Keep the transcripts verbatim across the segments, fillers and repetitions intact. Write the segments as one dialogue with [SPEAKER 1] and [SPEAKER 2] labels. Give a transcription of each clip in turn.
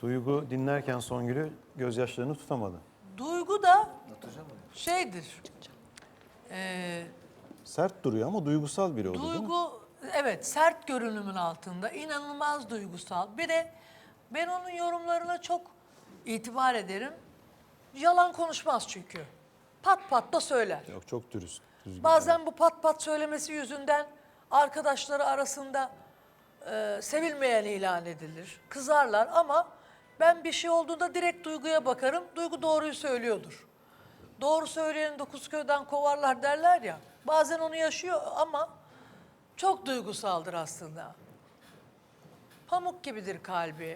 [SPEAKER 1] Duygu dinlerken Songül'ü gözyaşlarını tutamadı.
[SPEAKER 2] Duygu da şeydir. E,
[SPEAKER 1] Sert duruyor ama duygusal biri oldu değil mi?
[SPEAKER 2] Duygu, evet, sert görünümün altında, inanılmaz duygusal. Bir de ben onun yorumlarına çok itibar ederim. Yalan konuşmaz çünkü. Pat pat da söyler.
[SPEAKER 1] Yok, çok dürüst. Düzgün.
[SPEAKER 2] Bazen bu pat pat söylemesi yüzünden arkadaşları arasında e, sevilmeyen ilan edilir. Kızarlar ama ben bir şey olduğunda direkt Duygu'ya bakarım. Duygu doğruyu söylüyordur. Doğru söyleyeni dokuz köyden kovarlar derler ya. Bazen onu yaşıyor ama çok duygusaldır aslında. Pamuk gibidir kalbi.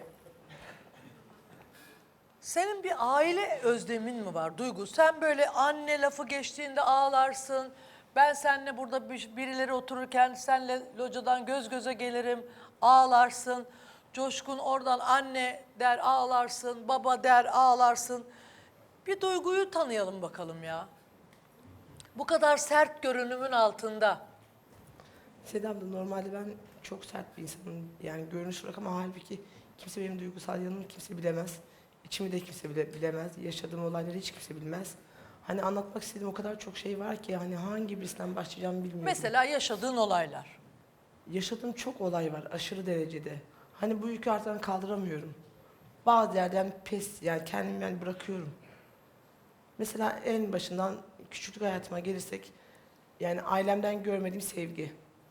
[SPEAKER 2] Senin bir aile özlemin mi var Duygu? Sen böyle anne lafı geçtiğinde ağlarsın. Ben seninle burada bir- birileri otururken senle locadan göz göze gelirim, ağlarsın. Coşkun oradan anne der ağlarsın, baba der ağlarsın. Bir Duygu'yu tanıyalım bakalım ya. Bu kadar sert görünümün altında.
[SPEAKER 3] Seda abla, normalde ben çok sert bir insanım. Yani görünüş olarak, ama halbuki kimse benim duygusal yanımı kimse bilemez. İçimi de kimse bile bilemez. Yaşadığım olayları hiç kimse bilmez. Hani anlatmak istediğim o kadar çok şey var ki hani hangi birisinden başlayacağımı bilmiyorum.
[SPEAKER 2] Mesela yaşadığın olaylar.
[SPEAKER 3] Yaşadığım çok olay var aşırı derecede. Hani bu yükü artık kaldıramıyorum. Bazı yerden pes, yani kendimi yani bırakıyorum. Mesela en başından küçüklük hayatıma gelirsek, yani ailemden görmediğim sevgi.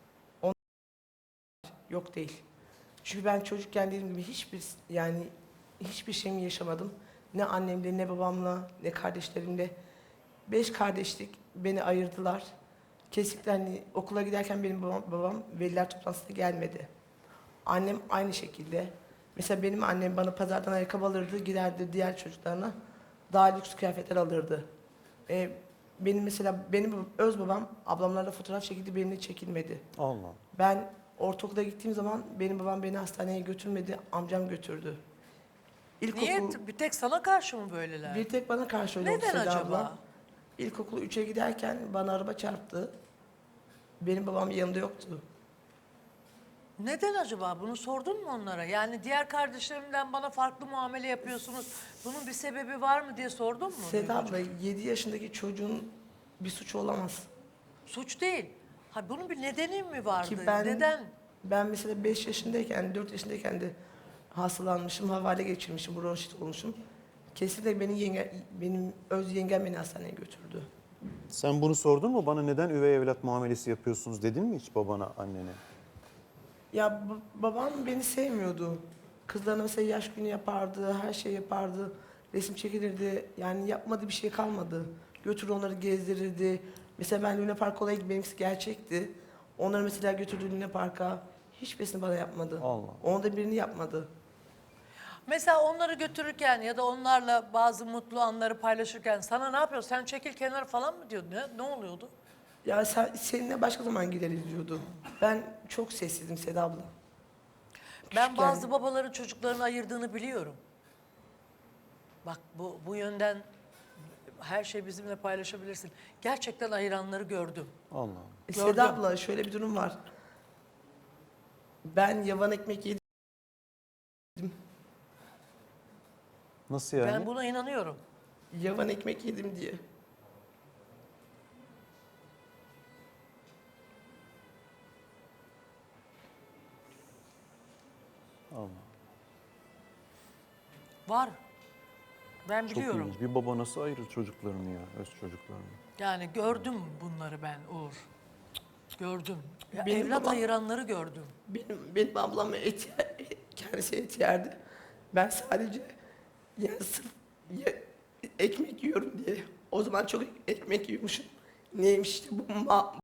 [SPEAKER 3] Yok değil. Çünkü ben çocukken dediğim gibi hiçbir yani hiçbir şeyimi yaşamadım. Ne annemle, ne babamla, ne kardeşlerimle. Beş kardeşlik, beni ayırdılar. Kesinlikle hani okula giderken benim babam, babam veliler toplantısına gelmedi. Annem aynı şekilde. Mesela benim annem bana pazardan ayakkabı alırdı, giderdi diğer çocuklarına daha lüks kıyafetler alırdı. Ee, benim mesela benim öz babam ablamlarla fotoğraf çekildi, benimle çekilmedi.
[SPEAKER 1] Allah.
[SPEAKER 3] Ben ortaokula gittiğim zaman benim babam beni hastaneye götürmedi, amcam götürdü. İlkokul,
[SPEAKER 2] Niye? Bir tek sana karşı mı böyleler?
[SPEAKER 3] bir tek bana karşı öyle oldu
[SPEAKER 2] Neden
[SPEAKER 3] Seda
[SPEAKER 2] acaba?
[SPEAKER 3] abla. İlkokul üçe giderken bana araba çarptı. Benim babam yanımda yoktu.
[SPEAKER 2] Neden acaba? Bunu sordun mu onlara? Yani diğer kardeşlerimden bana farklı muamele yapıyorsunuz. Bunun bir sebebi var mı diye sordun mu?
[SPEAKER 3] Seda abla, yedi yaşındaki çocuğun bir suçu olamaz.
[SPEAKER 2] Suç değil. Ha, bunun bir nedeni mi vardı?
[SPEAKER 3] Ki ben,
[SPEAKER 2] Neden?
[SPEAKER 3] ben mesela beş yaşındayken, dört yaşındayken de hastalanmışım, havale geçirmişim, bronşit olmuşum. Kesinlikle beni yenge, benim öz yengem beni hastaneye götürdü.
[SPEAKER 1] Sen bunu sordun mu? Bana neden üvey evlat muamelesi yapıyorsunuz dedin mi hiç babana, annene?
[SPEAKER 3] Ya ba- babam beni sevmiyordu. Kızlarına mesela yaş günü yapardı, her şey yapardı. Resim çekilirdi. Yani yapmadığı bir şey kalmadı. Götürür onları gezdirirdi. Mesela ben Luna Park olayı, benimkisi gerçekti. Onları mesela götürdü Luna Park'a. Hiçbirisini bana yapmadı.
[SPEAKER 1] Allah.
[SPEAKER 3] Onda birini yapmadı.
[SPEAKER 2] Mesela onları götürürken ya da onlarla bazı mutlu anları paylaşırken sana ne yapıyor? Sen çekil kenara falan mı diyordu? Ne, ne oluyordu?
[SPEAKER 3] Ya sen, seninle başka zaman gideriz diyordu. Ben çok sessizdim Seda abla.
[SPEAKER 2] Ben
[SPEAKER 3] Küçükken-
[SPEAKER 2] bazı babaların çocuklarını ayırdığını biliyorum. Bak bu, bu yönden her şey bizimle paylaşabilirsin. Gerçekten ayıranları gördüm.
[SPEAKER 1] Allah.
[SPEAKER 3] E,
[SPEAKER 2] Gördüm.
[SPEAKER 3] Seda abla, şöyle bir durum var. Ben yavan ekmek yedim.
[SPEAKER 1] Nasıl yani?
[SPEAKER 2] Ben buna inanıyorum.
[SPEAKER 3] Yavan ekmek yedim diye.
[SPEAKER 1] Allah.
[SPEAKER 2] Var. Ben
[SPEAKER 1] Çok
[SPEAKER 2] biliyorum.
[SPEAKER 1] ilginç. Bir baba nasıl ayırır çocuklarını ya, öz çocuklarını?
[SPEAKER 2] Yani gördüm bunları ben Uğur. Gördüm. Ya
[SPEAKER 3] Benim
[SPEAKER 2] evlat
[SPEAKER 3] babam-
[SPEAKER 2] ayıranları gördüm.
[SPEAKER 3] Benim, benim ablam et, kendisi et yerdi. Ben sadece yani sırf ye- ekmek yiyorum diye. O zaman çok ekmek yiyormuşum. Neymiş işte bu ma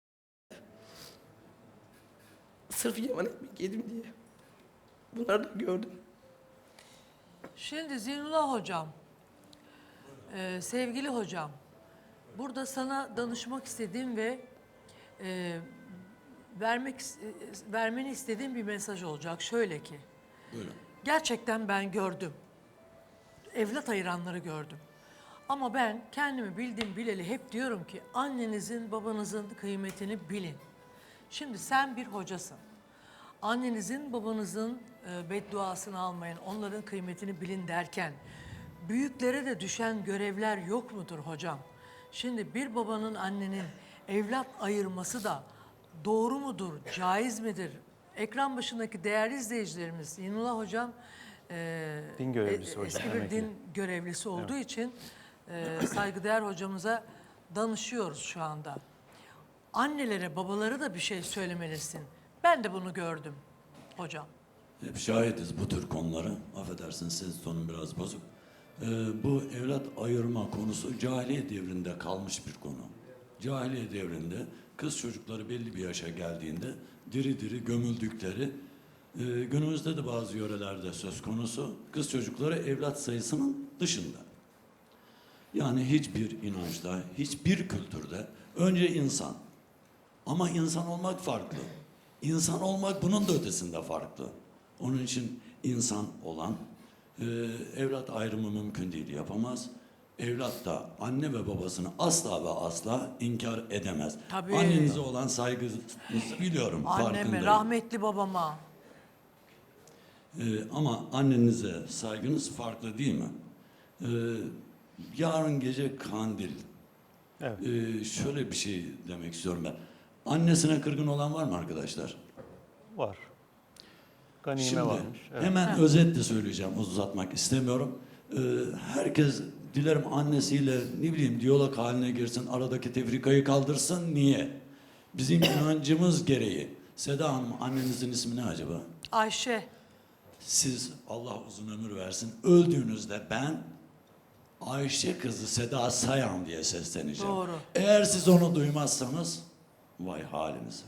[SPEAKER 3] sırf yavan ekmek yedim diye. Bunları da gördüm.
[SPEAKER 2] Şimdi Zinullah hocam, e, sevgili hocam, burada sana danışmak istediğim ve e, vermek is- e, vermeni istediğim bir mesaj olacak. Şöyle ki, gerçekten ben gördüm, evlat ayıranları gördüm. Ama ben kendimi bildim bileli hep diyorum ki annenizin, babanızın kıymetini bilin. Şimdi sen bir hocasın. annenizin babanızın e, bedduasını almayın, onların kıymetini bilin derken büyüklere de düşen görevler yok mudur hocam? Şimdi bir babanın annenin evlat ayırması da doğru mudur, caiz midir? Ekran başındaki değerli izleyicilerimiz, Yinullah hocam e,
[SPEAKER 1] Din görevlisi
[SPEAKER 2] e,
[SPEAKER 1] hocam,
[SPEAKER 2] eski bir
[SPEAKER 1] emekli.
[SPEAKER 2] din görevlisi olduğu için e, saygıdeğer hocamıza danışıyoruz şu anda. Annelere, babalara da bir şey söylemelisin. Ben de bunu gördüm hocam.
[SPEAKER 4] Hep şahidiz bu tür konulara. Affedersin, ses tonum biraz bozuk. Ee, bu evlat ayırma konusu cahiliye devrinde kalmış bir konu. Cahiliye devrinde kız çocukları belli bir yaşa geldiğinde diri diri gömüldükleri, e, günümüzde de bazı yörelerde söz konusu, kız çocukları evlat sayısının dışında. Yani hiçbir inançta, hiçbir kültürde önce insan. Ama insan olmak farklı. İnsan olmak bunun da ötesinde farklı. Onun için insan olan e, evlat ayrımı mümkün değil, yapamaz. Evlat da anne ve babasını asla ve asla inkar edemez.
[SPEAKER 2] Tabii.
[SPEAKER 4] Annenize olan saygınızı biliyorum,
[SPEAKER 2] Anneme,
[SPEAKER 4] farkındayım.
[SPEAKER 2] rahmetli babama.
[SPEAKER 4] E, ama annenize saygınız farklı değil mi? E, yarın gece kandil.
[SPEAKER 1] Evet.
[SPEAKER 4] E, şöyle bir şey demek istiyorum ben. Annesine kırgın olan var mı arkadaşlar?
[SPEAKER 1] Var. Ganime
[SPEAKER 4] Şimdi
[SPEAKER 1] varmış. Evet.
[SPEAKER 4] hemen özetle söyleyeceğim, uzatmak istemiyorum. Ee, herkes dilerim annesiyle ne bileyim diyalog haline girsin, aradaki tefrikayı kaldırsın. Niye? Bizim inancımız gereği. Seda Hanım, annenizin ismi ne acaba?
[SPEAKER 2] Ayşe.
[SPEAKER 4] Siz, Allah uzun ömür versin, öldüğünüzde ben Ayşe kızı Seda Sayan diye sesleneceğim.
[SPEAKER 2] Doğru.
[SPEAKER 4] Eğer siz onu duymazsanız vay halinize.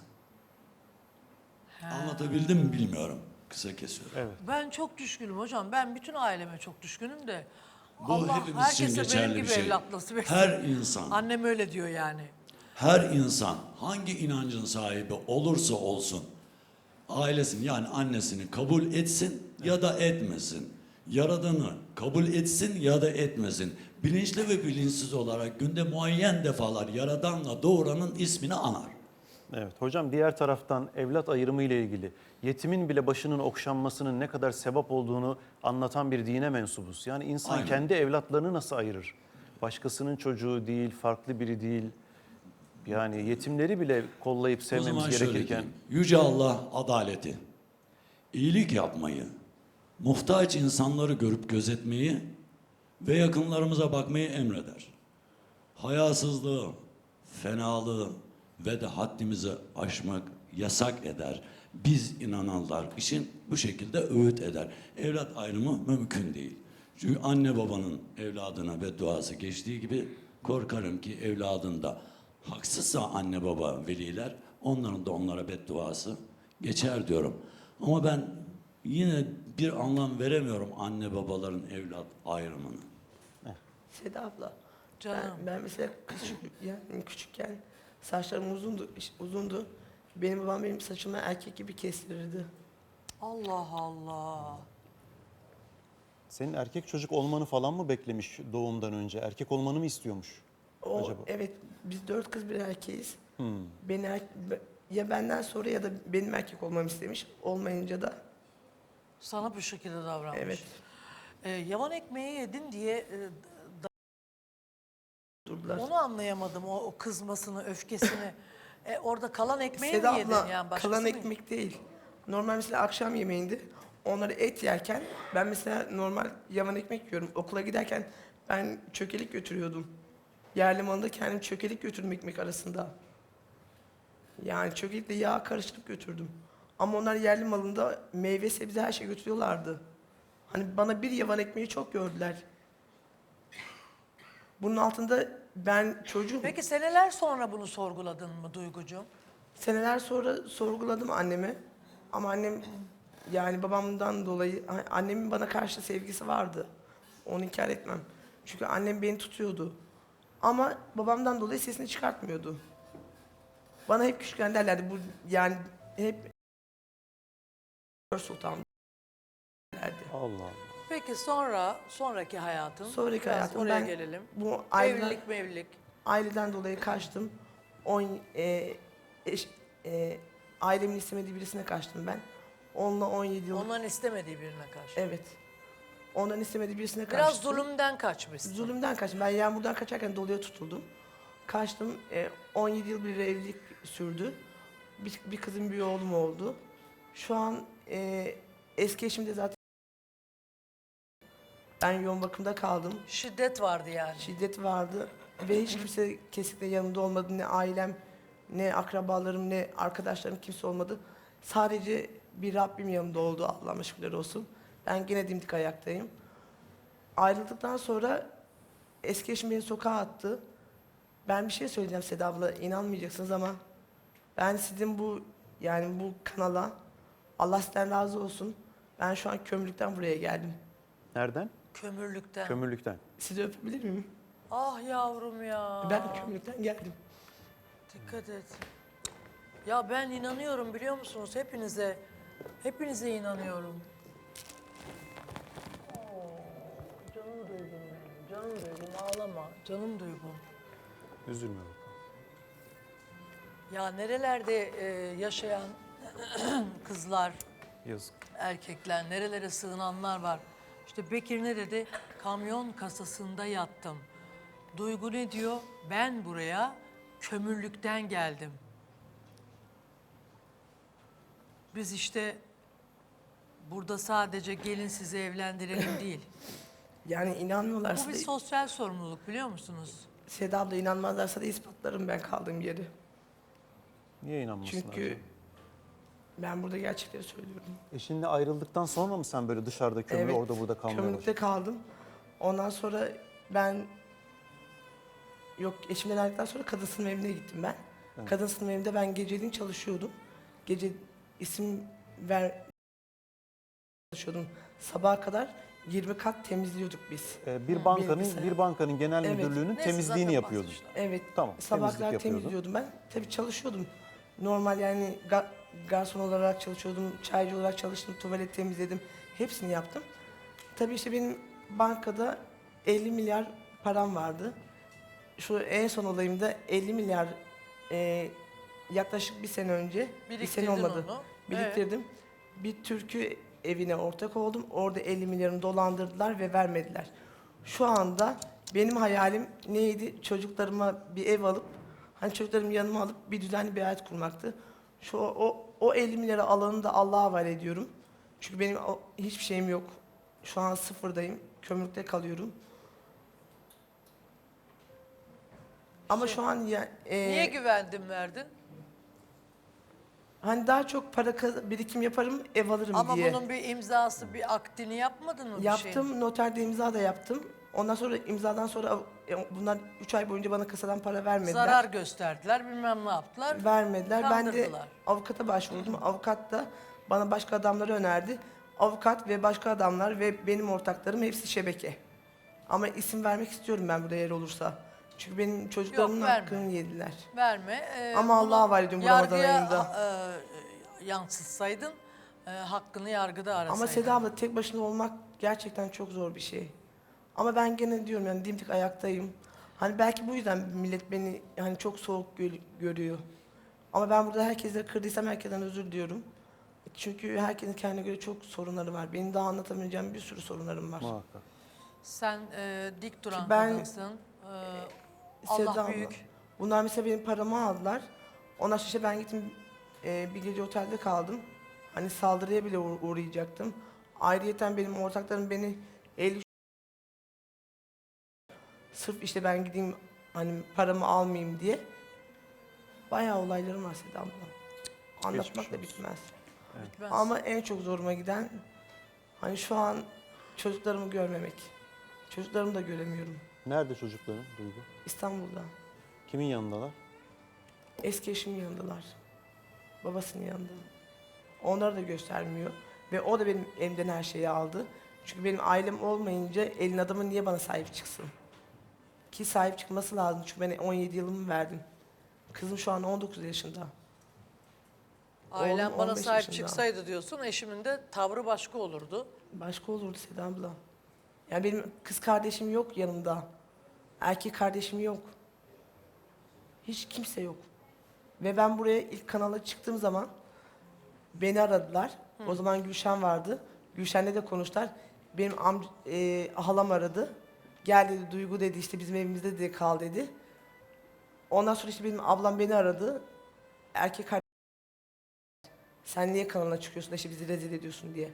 [SPEAKER 4] Anlatabildim mi bilmiyorum. Kısa kesiyorum.
[SPEAKER 1] Evet.
[SPEAKER 2] Ben çok düşkünüm hocam. Ben bütün aileme çok düşkünüm de.
[SPEAKER 4] Bu
[SPEAKER 2] Allah
[SPEAKER 4] hepimiz için
[SPEAKER 2] herkese
[SPEAKER 4] geçerli
[SPEAKER 2] benim
[SPEAKER 4] bir
[SPEAKER 2] gibi
[SPEAKER 4] şey.
[SPEAKER 2] evlat nasip etsin.
[SPEAKER 4] Her insan,
[SPEAKER 2] Annem öyle diyor yani.
[SPEAKER 4] her insan hangi inancın sahibi olursa olsun ailesini yani annesini kabul etsin ya da etmesin. Yaradanı kabul etsin ya da etmesin. Bilinçli ve bilinçsiz olarak günde muayyen defalar Yaradan'la doğuranın ismini anar.
[SPEAKER 1] Evet. Hocam diğer taraftan evlat ayrımı ile ilgili yetimin bile başının okşanmasının ne kadar sevap olduğunu anlatan bir dine mensubuz. Yani insan
[SPEAKER 4] Aynen.
[SPEAKER 1] kendi evlatlarını nasıl ayırır? Başkasının çocuğu değil, farklı biri değil. Yani yetimleri bile kollayıp
[SPEAKER 4] O
[SPEAKER 1] sevmemiz
[SPEAKER 4] zaman şöyle
[SPEAKER 1] gerekirken
[SPEAKER 4] diyeyim. Yüce Allah adaleti, iyilik yapmayı, muhtaç insanları görüp gözetmeyi ve yakınlarımıza bakmayı emreder. Hayasızlığı, fenalığı ve de haddimizi aşmak yasak eder. Biz inananlar için bu şekilde öğüt eder. Evlat ayrımı mümkün değil. Çünkü anne babanın evladına bedduası geçtiği gibi korkarım ki evladında haksızsa anne baba veliler onların da onlara bedduası geçer diyorum. Ama ben yine bir anlam veremiyorum anne babaların evlat ayrımını.
[SPEAKER 3] Seda abla.
[SPEAKER 2] Canım.
[SPEAKER 3] Ben, ben mesela küçük, yani küçükken saçlarım uzundu, uzundu. Benim babam benim saçımı erkek gibi kestirirdi.
[SPEAKER 2] Allah Allah.
[SPEAKER 1] senin erkek çocuk olmanı falan mı beklemiş doğumdan önce? Erkek olmanı mı istiyormuş
[SPEAKER 3] O,
[SPEAKER 1] acaba?
[SPEAKER 3] Evet, biz dört kız bir erkeğiz.
[SPEAKER 1] Hmm.
[SPEAKER 3] Beni er- ya benden sonra ya da benim erkek olmamı istemiş. Olmayınca da
[SPEAKER 2] Sana bu şekilde davranmış.
[SPEAKER 3] evet
[SPEAKER 2] Ee, yavan ekmeği yedin diye e,
[SPEAKER 3] durdular.
[SPEAKER 2] onu anlayamadım. O, o kızmasını, öfkesini. E, orada kalan ekmeği
[SPEAKER 3] Seda
[SPEAKER 2] mi yedin
[SPEAKER 3] abla,
[SPEAKER 2] yani? Başkası
[SPEAKER 3] kalan
[SPEAKER 2] mı?
[SPEAKER 3] ekmek değil. Normal mesela akşam yemeğinde onları et yerken ben mesela normal yavan ekmek yiyorum. Okula giderken ben çökelik götürüyordum. Yerli malında kendim çökelik götürdüm ekmek arasında. Yani çökelikle yağ karıştırıp götürdüm. Ama onlar yerli malında meyve, sebze her şey götürüyorlardı. Hani bana bir yavan ekmeği çok gördüler. Bunun altında ben çocuğum.
[SPEAKER 2] Peki seneler sonra bunu sorguladın mı Duygucuğum?
[SPEAKER 3] Seneler sonra sorguladım annemi. Ama annem yani babamdan dolayı annemin bana karşı sevgisi vardı. Onu inkar etmem. Çünkü annem beni tutuyordu. Ama babamdan dolayı sesini çıkartmıyordu. Bana hep küçükken derlerdi bu yani hep Sultan derdi.
[SPEAKER 1] Allah Allah.
[SPEAKER 2] Peki sonra, sonraki hayatın?
[SPEAKER 3] Sonraki
[SPEAKER 2] Biraz
[SPEAKER 3] hayatım
[SPEAKER 2] oraya
[SPEAKER 3] ben
[SPEAKER 2] gelelim.
[SPEAKER 3] bu aileden,
[SPEAKER 2] Evlilik mevlilik.
[SPEAKER 3] aileden dolayı kaçtım. On, e, eş, e, ailemin istemediği birisine kaçtım ben. Onunla on yedi yıl.
[SPEAKER 2] Onların istemediği birine karşı.
[SPEAKER 3] Evet. Ondan istemediği birisine karşı.
[SPEAKER 2] Biraz zulümden kaçmışsın.
[SPEAKER 3] Zulümden kaçtım. Ben yağmurdan kaçarken doluya tutuldum. Kaçtım. E, on yedi yıl bir evlilik sürdü. Bir, bir kızım bir oğlum oldu. Şu an e, eski eşim de zaten ben yoğun bakımda kaldım.
[SPEAKER 2] Şiddet vardı yani.
[SPEAKER 3] Şiddet vardı ve hiç kimse kesinlikle yanımda olmadı. Ne ailem, ne akrabalarım, ne arkadaşlarım kimse olmadı. Sadece bir Rabbim yanımda oldu. Allah'ıma şükürler olsun. Ben gene dimdik ayaktayım. Ayrıldıktan sonra eski eşim beni sokağa attı. Ben bir şey söyleyeceğim Seda abla, inanmayacaksınız ama ben sizin bu yani bu kanala Allah sizden razı olsun. Ben şu an kömürlükten buraya geldim.
[SPEAKER 1] Nereden?
[SPEAKER 2] Kömürlükten.
[SPEAKER 1] Kömürlükten.
[SPEAKER 3] Sizi öpebilir miyim?
[SPEAKER 2] Ah yavrum ya.
[SPEAKER 3] Ben kömürlükten geldim.
[SPEAKER 2] Dikkat et. Ya ben inanıyorum biliyor musunuz hepinize. Hepinize inanıyorum. Oo, canım duygum benim. Canım duygum ağlama. Canım duygum.
[SPEAKER 1] Üzülme bakalım.
[SPEAKER 2] Ya nerelerde e, yaşayan kızlar,
[SPEAKER 1] Yazık.
[SPEAKER 2] erkekler, nerelere sığınanlar var. İşte Bekir ne dedi? Kamyon kasasında yattım. Duygu ne diyor? Ben buraya kömürlükten geldim. Biz işte burada sadece gelin sizi evlendirelim değil.
[SPEAKER 3] Yani inanmıyorlarsa
[SPEAKER 2] Bu bir
[SPEAKER 3] da,
[SPEAKER 2] sosyal sorumluluk biliyor musunuz?
[SPEAKER 3] Seda abla inanmazlarsa da ispatlarım ben kaldığım yeri.
[SPEAKER 1] Niye inanmasınlar?
[SPEAKER 3] Çünkü
[SPEAKER 1] canım?
[SPEAKER 3] ben burada gerçekleri söylüyorum.
[SPEAKER 1] Eşinle ayrıldıktan sonra mı sen böyle dışarıda kömür orada burada kalmaya
[SPEAKER 3] kömürlükte
[SPEAKER 1] başladın?
[SPEAKER 3] kaldım. Ondan sonra ben yok eşimden ayrıldıktan sonra kadın sınıf evine gittim ben.
[SPEAKER 1] Evet.
[SPEAKER 3] Kadın sınıf evinde ben geceliğin çalışıyordum. Gece isim ver çalışıyordum. Sabaha kadar yirmi kat temizliyorduk biz.
[SPEAKER 1] Ee, bir bankanın
[SPEAKER 3] Bilgisayar.
[SPEAKER 1] bir bankanın genel
[SPEAKER 3] Evet.
[SPEAKER 1] müdürlüğünün
[SPEAKER 2] Neyse,
[SPEAKER 1] temizliğini
[SPEAKER 2] zaten
[SPEAKER 1] yapıyordun.
[SPEAKER 2] bahsetmişler.
[SPEAKER 3] Evet.
[SPEAKER 1] Tamam,
[SPEAKER 3] Sabah
[SPEAKER 1] temizlik
[SPEAKER 3] kadar
[SPEAKER 1] yapıyordun.
[SPEAKER 3] temizliyordum ben. Tabii çalışıyordum. Normal yani ga- garson olarak çalışıyordum, çaycı olarak çalıştım, tuvalet temizledim. Hepsini yaptım. Tabii işte benim bankada elli milyar param vardı. Şu en son olayımda elli milyar e, yaklaşık bir sene önce, bir sene
[SPEAKER 2] Biriktirdin
[SPEAKER 3] olmadı.
[SPEAKER 2] onu.
[SPEAKER 3] Biriktirdim. Bir türkü evine ortak oldum. Orada elli milyarımı dolandırdılar ve vermediler. Şu anda benim hayalim neydi? Çocuklarıma bir ev alıp, hani çocuklarımı yanıma alıp bir düzenli bir hayat kurmaktı. Şu o o elli milyarı alanı da Allah'a havale ediyorum. Çünkü benim o, hiçbir şeyim yok. Şu an sıfırdayım. Kömürlükte kalıyorum. Ama şu an ya, e,
[SPEAKER 2] Niye güvendin verdin?
[SPEAKER 3] hani daha çok para kaz- birikim yaparım, ev alırım
[SPEAKER 2] Ama
[SPEAKER 3] diye.
[SPEAKER 2] bunun bir imzası, bir akdini yapmadın mı bir şeyin?
[SPEAKER 3] Yaptım, noterde imza da yaptım. Ondan sonra imzadan sonra av- e, bunlar üç ay boyunca bana kasadan para vermediler.
[SPEAKER 2] Zarar gösterdiler, bilmem ne yaptılar.
[SPEAKER 3] Vermediler. Ben de
[SPEAKER 2] Kandırdılar.
[SPEAKER 3] avukata başvurdum. Avukat da bana başka adamları önerdi. Avukat ve başka adamlar ve benim ortaklarım hepsi şebeke. Ama isim vermek istiyorum ben burada yer olursa. Çünkü benim çocuklarımın
[SPEAKER 2] verme.
[SPEAKER 3] hakkını yediler.
[SPEAKER 2] Verme. Ee,
[SPEAKER 3] Ama
[SPEAKER 2] bunu
[SPEAKER 3] Allah'a havale ediyorum bu Ramazan
[SPEAKER 2] yargıya,
[SPEAKER 3] ayında.
[SPEAKER 2] e, yansıtsaydın, e, hakkını yargıda arasaydın.
[SPEAKER 3] Ama Seda abla tek başına olmak gerçekten çok zor bir şey. Ama ben gene diyorum yani dimdik ayaktayım. Hani belki bu yüzden millet beni hani çok soğuk gö- görüyor. Ama ben burada herkese kırdıysam herkesten özür diliyorum. Çünkü herkesin kendine göre çok sorunları var. Benim daha anlatamayacağım bir sürü sorunlarım var.
[SPEAKER 1] Muhakkak.
[SPEAKER 2] Sen e, dik duran
[SPEAKER 3] Ben-
[SPEAKER 2] kadınsın. E,
[SPEAKER 3] Seda
[SPEAKER 2] Allah
[SPEAKER 3] abla,
[SPEAKER 2] büyük.
[SPEAKER 3] Bunlar mesela benim paramı aldılar. Ondan sonra işte ben gittim e, bir gece otelde kaldım. Hani saldırıya bile uğ- uğrayacaktım. Ayrıyeten benim ortaklarım beni elli sırf işte ben gideyim hani paramı almayayım diye. Bayağı olaylarım var Seda abla. Anlatmak da
[SPEAKER 1] olsun.
[SPEAKER 3] bitmez.
[SPEAKER 2] Bitmez.
[SPEAKER 3] Ama en çok zoruma giden hani şu an çocuklarımı görmemek. Çocuklarımı da göremiyorum.
[SPEAKER 1] Nerede çocukların Duygu?
[SPEAKER 3] İstanbul'da.
[SPEAKER 1] Kimin yanındalar?
[SPEAKER 3] Eski eşimin yanındalar. Babasının yanında. Onları da göstermiyor. Ve o da benim elimden her şeyi aldı. Çünkü benim ailem olmayınca elin adamı niye bana sahip çıksın? Ki sahip çıkması lazım. Çünkü ben on yedi yılımı verdim. Kızım şu an on dokuz yaşında.
[SPEAKER 2] Ailem
[SPEAKER 3] oğlum
[SPEAKER 2] bana
[SPEAKER 3] on beş
[SPEAKER 2] sahip
[SPEAKER 3] yaşında.
[SPEAKER 2] çıksaydı diyorsun, eşimin de tavrı başka olurdu.
[SPEAKER 3] Başka olurdu Seda abla. Yani benim kız kardeşim yok yanımda. Erkek kardeşim yok. Hiç kimse yok. Ve ben buraya ilk kanala çıktığım zaman beni aradılar. O zaman Gülşen vardı. Gülşen'le de konuştular. Benim am e, halam aradı. Gel dedi, Duygu dedi, işte bizim evimizde dedi, kal dedi. Ondan sonra işte benim ablam beni aradı. Erkek kardeşim, sen niye kanalına çıkıyorsun da işte bizi rezil ediyorsun diye.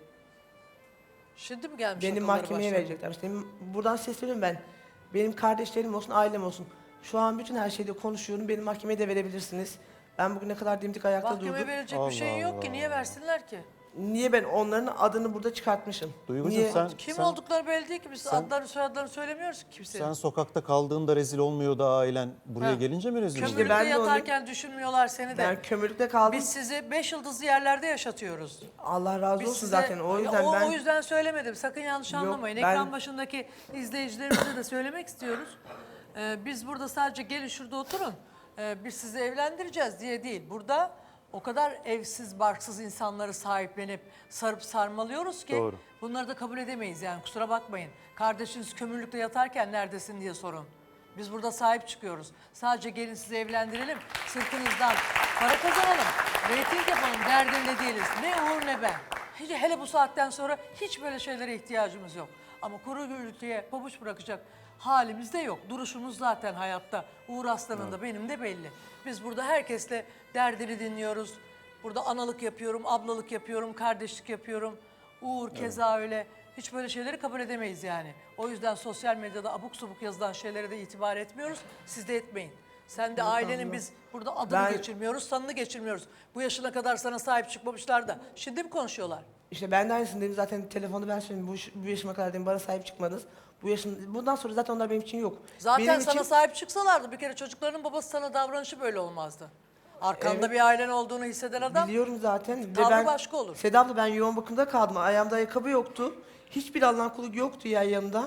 [SPEAKER 2] Şimdi mi gelmiş
[SPEAKER 3] Beni
[SPEAKER 2] akılları
[SPEAKER 3] mahkemeye
[SPEAKER 2] başlarına?
[SPEAKER 3] verecekler. İşte benim, buradan sesleniyorum ben. Benim kardeşlerim olsun, ailem olsun. Şu an bütün her şeyde konuşuyorum. Beni mahkemeye de verebilirsiniz. Ben bugüne kadar dimdik ayakta
[SPEAKER 2] Mahkeme
[SPEAKER 3] durdum.
[SPEAKER 2] verecek
[SPEAKER 1] Allah
[SPEAKER 2] bir şey yok
[SPEAKER 1] Allah.
[SPEAKER 2] ki. Niye versinler ki?
[SPEAKER 3] Niye ben onların adını burada çıkartmışım?
[SPEAKER 1] Duygucuğum
[SPEAKER 3] Niye?
[SPEAKER 1] sen,
[SPEAKER 2] Kim
[SPEAKER 1] sen,
[SPEAKER 2] oldukları belli değil ki. Biz
[SPEAKER 1] sen-
[SPEAKER 2] adlarını soyadlarını söylemiyoruz ki kimsenin.
[SPEAKER 1] sen sokakta kaldığında rezil olmuyor da ailen buraya
[SPEAKER 2] Ha.
[SPEAKER 1] gelince mi rezil
[SPEAKER 2] Kömürlükte
[SPEAKER 1] oluyor?
[SPEAKER 3] ben de onu-
[SPEAKER 2] yatarken düşünmüyorlar seni de.
[SPEAKER 3] Ben kömürlükte kaldım.
[SPEAKER 2] Biz sizi beş yıldızlı yerlerde yaşatıyoruz.
[SPEAKER 3] Allah razı
[SPEAKER 2] Biz
[SPEAKER 3] olsun
[SPEAKER 2] size-
[SPEAKER 3] zaten. O yüzden
[SPEAKER 2] o,
[SPEAKER 3] ben...
[SPEAKER 2] o yüzden söylemedim. Sakın yanlış
[SPEAKER 3] Yok,
[SPEAKER 2] anlamayın.
[SPEAKER 3] ben-
[SPEAKER 2] Ekran başındaki izleyicilerimize de söylemek istiyoruz. Ee, biz burada sadece gelin şurada oturun. Ee, biz sizi evlendireceğiz diye değil. Burada o kadar evsiz, barksız insanları sahiplenip sarıp sarmalıyoruz ki
[SPEAKER 1] Doğru.
[SPEAKER 2] bunları da kabul edemeyiz yani, kusura bakmayın. Kardeşiniz kömürlükte yatarken neredesin diye sorun. Biz burada sahip çıkıyoruz. Sadece gelin sizi evlendirelim, sırtınızdan para kazanalım, reyting yapalım derdinde değiliz. Ne Uğur ne ben. Hele, hele bu saatten sonra hiç böyle şeylere ihtiyacımız yok. Ama kuru gürültüye pabuç bırakacak halimiz de yok. Duruşumuz zaten hayatta. Uğur Aslan'ın da benim de belli. Biz burada herkesle derdini dinliyoruz. Burada analık yapıyorum, ablalık yapıyorum, kardeşlik yapıyorum. Uğur keza öyle. Hiç böyle şeyleri kabul edemeyiz yani. O yüzden sosyal medyada abuk subuk yazılan şeylere de itibar etmiyoruz. Siz de etmeyin. Sen de ailenin biz burada adını
[SPEAKER 3] Ben-
[SPEAKER 2] geçirmiyoruz, sanını geçirmiyoruz. Bu yaşına kadar sana sahip çıkmamışlar da. Şimdi mi konuşuyorlar?
[SPEAKER 3] İşte ben de aynısını dedim zaten, telefonu ben söyledim. Bu, bu yaşıma kadar dedim, bana sahip çıkmadınız. Bu yaşım, bundan sonra zaten onlar benim için yok.
[SPEAKER 2] Zaten
[SPEAKER 3] benim
[SPEAKER 2] sana
[SPEAKER 3] için,
[SPEAKER 2] sahip çıksalardı bir kere çocuklarının babası sana davranışı böyle olmazdı. Arkanda
[SPEAKER 3] Evet.
[SPEAKER 2] bir ailen olduğunu hisseden adam
[SPEAKER 3] biliyorum zaten. Ve
[SPEAKER 2] tavrı
[SPEAKER 3] ben,
[SPEAKER 2] başka olur.
[SPEAKER 3] Seda abla, ben yoğun bakımda kaldım. Ayağımda ayakkabı yoktu. Hiçbir Allah'ın kulu yoktu ya yanımda.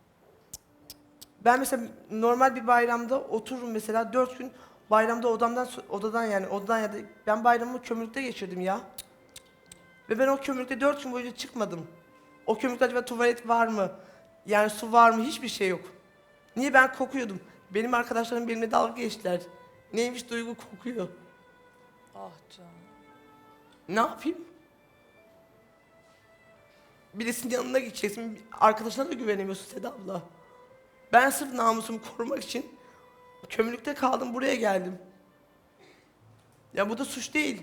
[SPEAKER 3] Ben mesela normal bir bayramda otururum mesela dört gün bayramda odamdan odadan yani odadan ya da ben bayramımı kömürlükte geçirdim ya. Ve ben o kömürlükte dört gün boyunca çıkmadım. O kömürlükte acaba tuvalet var mı? Yani su var mı? Hiçbir şey yok. Niye? Ben kokuyordum. Benim arkadaşlarım benimle dalga geçtiler. Neymiş Duygu kokuyor.
[SPEAKER 2] Ah canım.
[SPEAKER 3] Ne yapayım? Birisinin yanına gideceksin. Arkadaşına da güvenemiyorsun Seda abla. Ben sırf namusumu korumak için kömürlükte kaldım, buraya geldim. Ya bu da suç değil.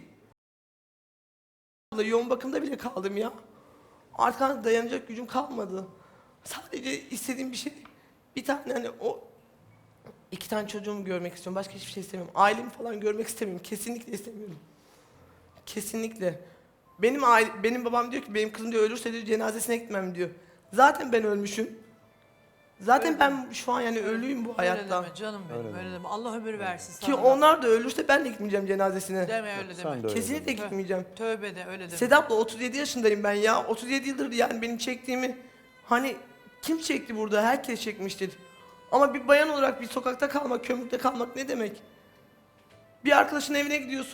[SPEAKER 3] Yoğun bakımda bile kaldım ya. Artık dayanacak gücüm kalmadı. Sadece istediğim bir şey, bir tane hani o iki tane çocuğumu görmek istiyorum. Başka hiçbir şey istemiyorum. Ailemi falan görmek istemiyorum. Kesinlikle istemiyorum. Kesinlikle. Benim aile, benim babam diyor ki benim kızım diyor ölürse diyor cenazesine gitmem diyor. Zaten ben ölmüşüm. Zaten
[SPEAKER 2] Öyle
[SPEAKER 3] ben şu an yani ölüyüm bu
[SPEAKER 2] Öyle
[SPEAKER 3] hayatta.
[SPEAKER 2] deme canım benim,
[SPEAKER 1] Öyle
[SPEAKER 2] öyle, deme. Allah ömür versin
[SPEAKER 3] Ki
[SPEAKER 2] sana. da.
[SPEAKER 3] onlar da ölürse ben de gitmeyeceğim cenazesine.
[SPEAKER 2] Deme öyle
[SPEAKER 1] Sen
[SPEAKER 2] deme.
[SPEAKER 1] de öyle
[SPEAKER 3] Kesinlikle
[SPEAKER 2] Tö-
[SPEAKER 3] gitmeyeceğim.
[SPEAKER 2] Tövbe de öyle deme.
[SPEAKER 3] Sedat abla otuz yedi yaşındayım ben ya. otuz yedi yıldır yani benim çektiğimi hani kim çekti burada? Herkes çekmiştir. Ama bir bayan olarak bir sokakta kalmak, kömürlükte kalmak ne demek? Bir arkadaşın evine gidiyorsun.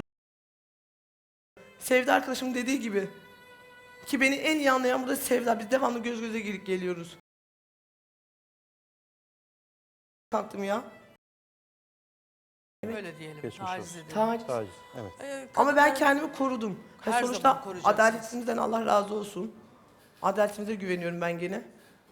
[SPEAKER 3] Sevda arkadaşım dediği gibi. Ki beni en iyi anlayan burada Sevda. Biz devamlı göz göze gelip geliyoruz. Kalktım ya.
[SPEAKER 2] Öyle diyelim.
[SPEAKER 1] Geçmiş
[SPEAKER 2] Taciz
[SPEAKER 1] olsun.
[SPEAKER 2] edelim.
[SPEAKER 3] Taciz.
[SPEAKER 1] Taciz, evet.
[SPEAKER 2] Ee,
[SPEAKER 3] Ama ben
[SPEAKER 2] kadınlar-
[SPEAKER 3] kendimi korudum. Ha,
[SPEAKER 2] Her
[SPEAKER 3] sonuçta
[SPEAKER 2] zaman koruyacaksınız.
[SPEAKER 3] adaletimizden Allah razı olsun. Adaletimize güveniyorum ben gene.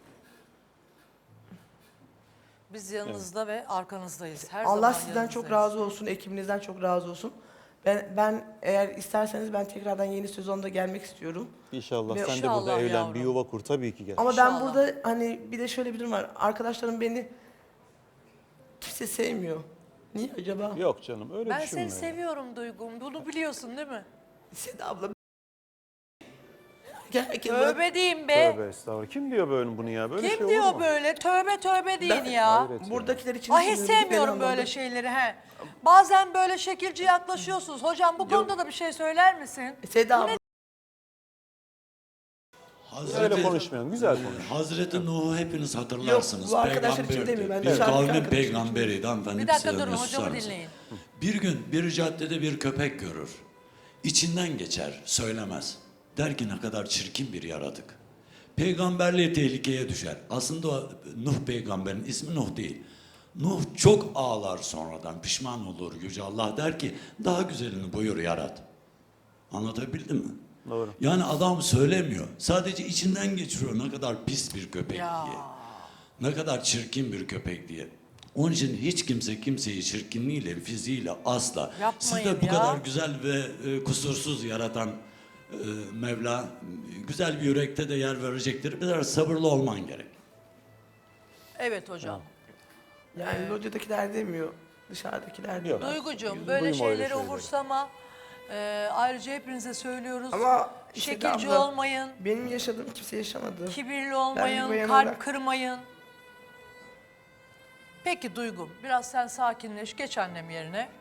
[SPEAKER 2] Biz yanınızda ve arkanızdayız. Her
[SPEAKER 3] Allah
[SPEAKER 2] zaman
[SPEAKER 3] sizden
[SPEAKER 2] yanınızdayız.
[SPEAKER 3] çok razı olsun, ekibinizden çok razı olsun. Ben, ben eğer isterseniz ben tekrardan yeni sezonda gelmek istiyorum.
[SPEAKER 1] İnşallah
[SPEAKER 3] Ve-
[SPEAKER 1] sen de
[SPEAKER 2] İnşallah
[SPEAKER 1] burada evlen,
[SPEAKER 2] yavrum.
[SPEAKER 1] bir yuva kur tabii ki gel.
[SPEAKER 3] Ama
[SPEAKER 2] İnşallah.
[SPEAKER 3] ben burada hani bir de şöyle bir durum var. Arkadaşlarım beni kimse sevmiyor. Niye acaba?
[SPEAKER 1] Yok canım öyle
[SPEAKER 2] Ben
[SPEAKER 1] düşünme.
[SPEAKER 2] seni seviyorum Duygum. Bunu biliyorsun değil mi?
[SPEAKER 3] Seda abla. Herkes bana-
[SPEAKER 2] Tövbe diyeyim be.
[SPEAKER 1] Tövbe estağfurullah. Kim diyor böyle bunu ya? Böyle şey
[SPEAKER 2] Kim
[SPEAKER 1] olur
[SPEAKER 2] diyor
[SPEAKER 1] mu?
[SPEAKER 2] böyle? Tövbe tövbe deyin
[SPEAKER 3] Ben-
[SPEAKER 2] ya.
[SPEAKER 1] Hayret ya.
[SPEAKER 3] buradakiler için
[SPEAKER 2] Ay hiç
[SPEAKER 3] düşünüyorum, bir
[SPEAKER 2] sevmiyorum
[SPEAKER 3] beni
[SPEAKER 2] böyle
[SPEAKER 3] anlamda.
[SPEAKER 2] şeyleri he. Bazen böyle şekilci yaklaşıyorsunuz. Hocam bu konuda da bir şey söyler misin?
[SPEAKER 3] Seda abla.
[SPEAKER 1] Öyle konuşmayalım. Güzel konuş.
[SPEAKER 4] Hazreti Nuh'u hepiniz hatırlarsınız.
[SPEAKER 3] Yok, bu arkadaşlar için
[SPEAKER 4] Peygamberdi.
[SPEAKER 3] demiyorum, ben
[SPEAKER 4] Bir
[SPEAKER 3] dışarıdaki
[SPEAKER 4] kavmin
[SPEAKER 3] arkadaşlar için
[SPEAKER 4] peygamberiydi hanımefendi.
[SPEAKER 2] Bir dakika
[SPEAKER 4] size
[SPEAKER 2] durun,
[SPEAKER 4] susar
[SPEAKER 2] hocamı
[SPEAKER 4] mısın?
[SPEAKER 2] dinleyin.
[SPEAKER 4] Bir gün bir caddede bir köpek görür. İçinden geçer, söylemez. Der ki ne kadar çirkin bir yaratık. Peygamberliği tehlikeye düşer. Aslında o Nuh peygamberin ismi Nuh değil. Nuh çok ağlar sonradan, pişman olur. Yüce Allah der ki daha güzelini buyur yarat. Anlatabildim mi?
[SPEAKER 1] Doğru.
[SPEAKER 4] Yani adam söylemiyor. Sadece içinden geçiriyor ne kadar pis bir köpek
[SPEAKER 2] Ya.
[SPEAKER 4] diye. Ne kadar çirkin bir köpek diye. Onun için hiç kimse kimseyi çirkinliğiyle, fiziğiyle asla.
[SPEAKER 2] Yapmayın
[SPEAKER 4] Siz de bu
[SPEAKER 2] ya.
[SPEAKER 4] kadar güzel ve e, kusursuz yaratan e, Mevla güzel bir yürekte de yer verecektir. Biraz sabırlı olman gerek.
[SPEAKER 2] Evet hocam.
[SPEAKER 3] Yani locadakiler demiyor, dışarıdakiler diyor.
[SPEAKER 2] Duygucuğum
[SPEAKER 1] Duyma
[SPEAKER 2] böyle
[SPEAKER 1] öyle
[SPEAKER 2] şeyleri
[SPEAKER 1] şeyleri.
[SPEAKER 2] umursama. Ee, ayrıca hepinize söylüyoruz.
[SPEAKER 3] Ama işte
[SPEAKER 2] Şekilci
[SPEAKER 3] abla,
[SPEAKER 2] olmayın,
[SPEAKER 3] benim yaşadığım kimse yaşamadı.
[SPEAKER 2] kibirli
[SPEAKER 3] Ben
[SPEAKER 2] olmayın,
[SPEAKER 3] bir bayan
[SPEAKER 2] kalp
[SPEAKER 3] olarak-
[SPEAKER 2] kırmayın. Peki Duygum, biraz sen sakinleş, geç annem yerine.